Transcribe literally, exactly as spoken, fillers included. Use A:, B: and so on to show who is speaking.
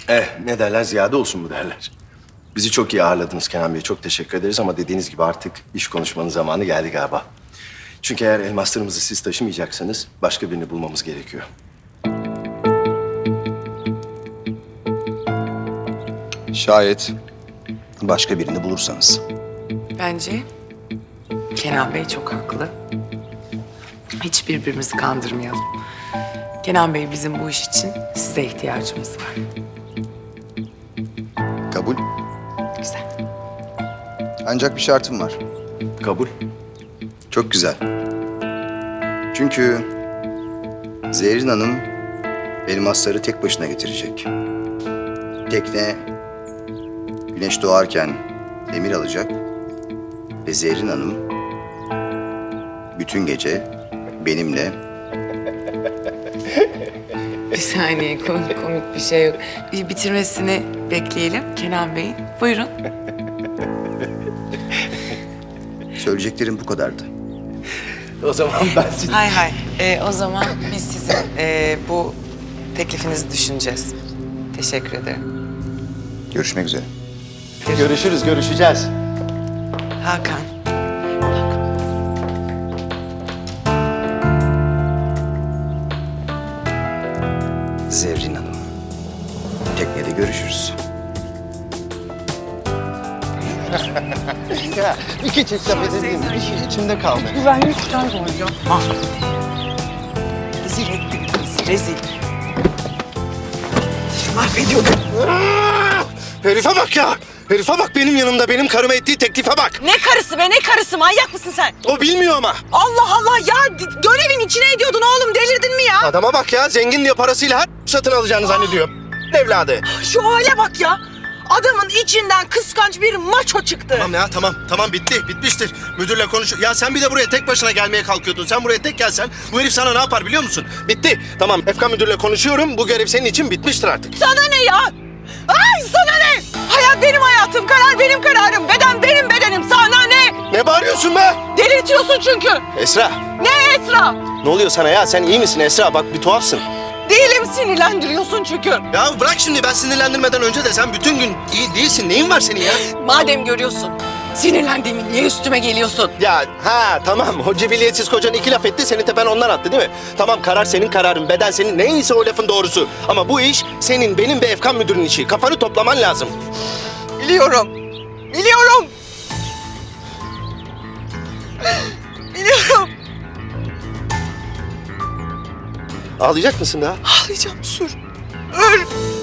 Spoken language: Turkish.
A: Eh, ne derler, ziyade olsun mu derler. Bizi çok iyi ağırladınız Kenan Bey. Çok teşekkür ederiz ama dediğiniz gibi artık iş konuşmanın zamanı geldi galiba. Çünkü eğer elmaslarımızı siz taşımayacaksanız başka birini bulmamız gerekiyor.
B: Şayet başka birini bulursanız.
C: Bence Kenan Bey çok haklı. Hiç birbirimizi kandırmayalım. Kenan Bey, bizim bu iş için size ihtiyacımız var.
B: Kabul.
C: Güzel.
B: Ancak bir şartım var.
A: Kabul.
B: Çok güzel. Çünkü Zerrin Hanım elmasları tek başına getirecek. Tekne güneş doğarken emir alacak ve Zerrin Hanım bütün gece benimle
C: Bir saniye, komik, komik bir şey yok. Bir bitirmesini bekleyelim Kenan Bey'in. Buyurun.
B: söyleyeceklerim bu kadardı.
A: O zaman ben sizi...
C: Hay hay. Ee, o zaman biz sizin ee, bu teklifinizi düşüneceğiz. Teşekkür ederim.
B: Görüşmek üzere.
A: Görüşürüz, görüşeceğiz.
C: Hakan.
B: Zerrin Hanım. Teknede görüşürüz.
D: Ya iki çift laf edebiliriz. İçi içimde kaldı.
C: Rezil ettin bizi, rezil. Mahvediyordun.
D: Herife bak ya! Herife bak benim yanımda, benim karıma ettiği teklife bak.
E: Ne karısı be, ne karısı? Manyak mısın sen?
D: O bilmiyor ama.
E: Allah Allah ya, d- görevin içine ediyordun oğlum, delirdin mi ya?
D: Adama bak ya, zengin diye parasıyla her satın alacağını zannediyor. Evladı.
E: Şu hale bak ya. Adamın içinden kıskanç bir maço çıktı.
D: Tamam ya, tamam. Tamam, bitti. Bitmiştir. Müdürle konuş. Ya sen bir de buraya tek başına gelmeye kalkıyordun. Sen buraya tek gelsen bu herif sana ne yapar biliyor musun? Bitti. Tamam, Efkan müdürle konuşuyorum. Bu görev senin için bitmiştir artık.
E: Sana ne ya? Ay sana ne? Hayat benim hayatım, karar benim kararım, beden benim bedenim. Sana ne?
D: Ne bağırıyorsun be?
E: Delirtiyorsun çünkü.
D: Esra,
E: Ne Esra?
D: ne oluyor sana ya? Sen iyi misin Esra? Bak bir tuhafsın.
E: Değilim, sinirlendiriyorsun çünkü.
D: Ya bırak şimdi, ben sinirlendirmeden önce de sen bütün gün iyi değilsin. Neyin var senin ya?
E: Madem görüyorsun, sinirlendiğimi niye üstüme geliyorsun?
D: Ya ha tamam, o cibiliyetsiz kocan iki laf etti, seni tepen ondan attı değil mi? Tamam, karar senin kararın, beden senin, neyse o lafın doğrusu. Ama bu iş senin, benim ve Efkan müdürün işi. Kafanı toplaman lazım.
E: Biliyorum. Biliyorum. Biliyorum.
D: Ağlayacak mısın daha?
E: Ağlayacağım, sür. Öl.